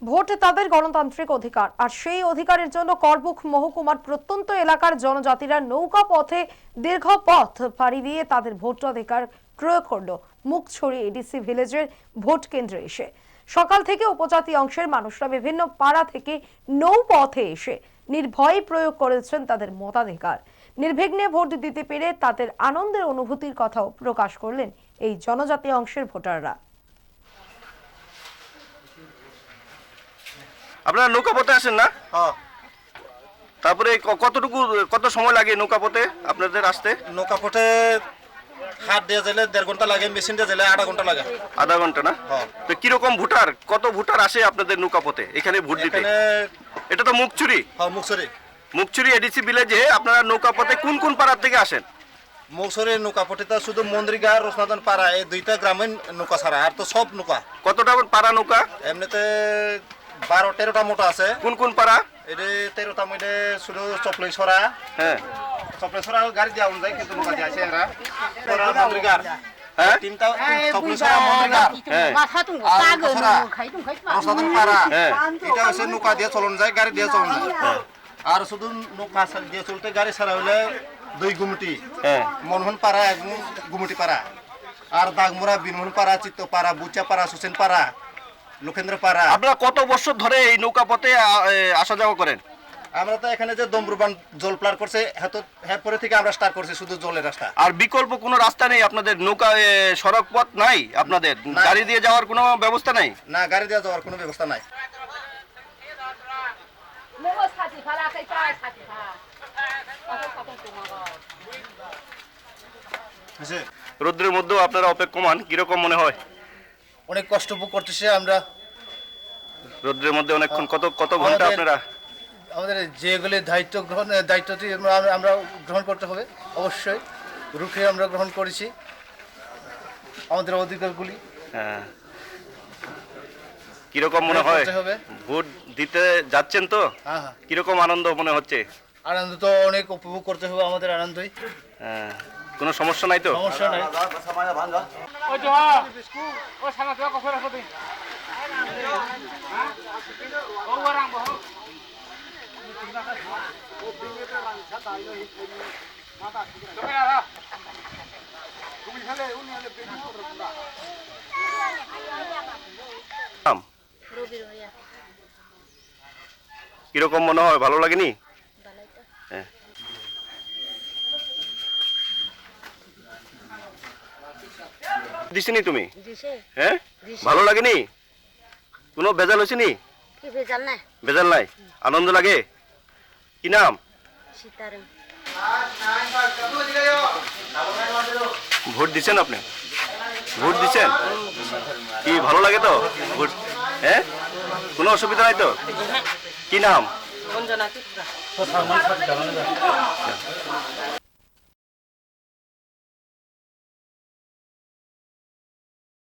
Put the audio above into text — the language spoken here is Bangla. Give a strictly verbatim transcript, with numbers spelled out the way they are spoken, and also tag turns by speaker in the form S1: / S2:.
S1: ভোট তাদের গণতান্ত্রিক অধিকার, আর সেই অধিকারের জন্য করবুক মহকুমার প্রত্যন্ত এলাকার জনজাতিরা নৌকা পথে দীর্ঘ পথ পাড়ি দিয়ে তাদের ভোটাধিকার প্রয়োগ করলো মুখছড়ি এডিসি ভিলেজের ভোট কেন্দ্রে এসে। সকাল থেকে উপজাতি অংশের মানুষরা বিভিন্ন পাড়া থেকে নৌ পথে এসে নির্ভয়ে প্রয়োগ করেছেন তাদের মতাধিকার। নির্বিঘ্নে ভোট দিতে পেরে তাদের আনন্দের অনুভূতির কথাও প্রকাশ করলেন এই জনজাতি অংশের ভোটাররা।
S2: আপনারা নৌকা পথে আসেন না?
S3: হ্যাঁ।
S2: তারপরে কতটুকু কত সময় লাগে নৌকা পথে আপনাদের আসতে?
S3: নৌকা পথে হাত দিয়ে গেলে দেড় ঘন্টা লাগে, মেশিন দিয়ে গেলে আধা ঘন্টা লাগে।
S2: আধা ঘন্টা না?
S3: হ্যাঁ।
S2: তো কিরকম ভোটার, কত ভোটার আসে আপনাদের নৌকা পথে এখানে ভোট দিতে?
S3: এখানে
S2: এটা তো মুখছড়ি।
S3: হ্যাঁ, মুখছড়ি
S2: মুখছড়ি এডিসি ভিলেজে আপনারা নৌকা পথে কোন কোন পাড়া থেকে আসেন?
S3: মুখছড়ি নৌকা পথে শুধু মন্দিরগা রসনাদন পাড়া এই দুইটা গ্রামীণ নৌকা ছাড়া আর তো সব নৌকা।
S2: কতটা পাড়া নৌকা?
S3: এমনিতে বারো তেরোটা মোটা আছে।
S2: কোন কোন পাড়া?
S3: এটা তেরোটা মধ্যে শুধু চপলেশ্বরা,
S2: হ্যাঁ
S3: চপলেশ্বরা গাড়ি দেওয়া যায় কিন্তু নৌকা দিয়ে আছে এরা মন্দিরগার।
S2: হ্যাঁ,
S3: তিনটা চপলেশ্বরা মন্দিরগার,
S2: হ্যাঁ,
S3: রসনাদন পাড়া,
S2: হ্যাঁ।
S3: এটা হচ্ছে নৌকা দিয়ে চলন যায়, গাড়ি দিয়ে চলন যায়। আর শুধু নৌকা দিয়ে চলতে গাড়ি ছাড়া হলে দুই গুমটি,
S2: হ্যাঁ।
S3: মনহন পাড়া এক গুমটি পাড়া, আর দাগমুরা বিনমোহন পাড়া, চিত্ত পাড়া, বুচা পাড়া, সুসেন পাড়া, লোকেন্দ্র পাড়া।
S2: আপনারা কত বছর ধরে এই নৌকা পথে আসা যাওয়া করেন?
S3: আমরা তো এখানে যে দমরুবান জল প্লার করছে হ্যাঁ পরে থেকে আমরা স্টার্ট করছি শুধু জলের রাস্তা।
S2: আর বিকল্প কোনো রাস্তা নেই আপনাদের? নৌকা সড়ক পথ নাই আপনাদের? গাড়ি দিয়ে যাওয়ার কোনো ব্যবস্থা নাই?
S3: না, গাড়ি দিয়ে যাওয়ার কোনো ব্যবস্থা নাই।
S2: রোদ্রের মধ্যেও আপনারা অপেক্ষমান, কিরকম মনে হয়?
S3: অনেক কষ্ট ভোগ করতেছি আমরা
S2: রোদ্রের মধ্যে অনেকক্ষণ। কত কত ঘন্টা আপনারা?
S3: আমাদের যেগুলি দায়িত্ব গ্রহণ দায়িত্বটি আমরা গ্রহণ করতে হবে, অবশ্যই রুখে আমরা গ্রহণ করেছি আমাদের অধিকারগুলি।
S2: হ্যাঁ, কিরকম মনে হয়? ভোট দিতে যাচ্ছেন তো,
S3: হ্যাঁ হ্যাঁ,
S2: কিরকম আনন্দ মনে হচ্ছে?
S3: আনন্দ তো অনেক উপভোগ করতে হবে আমাদের আনন্দই।
S2: হ্যাঁ, কোনো সমস্যা নাই তো?
S3: সমস্যা নাই।
S2: কিরকম মনে হয়? ভালো লাগেনি? হ্যাঁ। দিছিনি তুমি? হ্যাঁ, ভালো লাগেনি? কোনো বেজাল হয়েছিনি? বেজাল নাই, আনন্দ লাগে। কি নাম? ভোট দিচ্ছেন আপনি? ভোট দিচ্ছেন কি ভালো লাগে তো ভোট? হ্যাঁ, কোনো অসুবিধা নাই তো? কি নাম?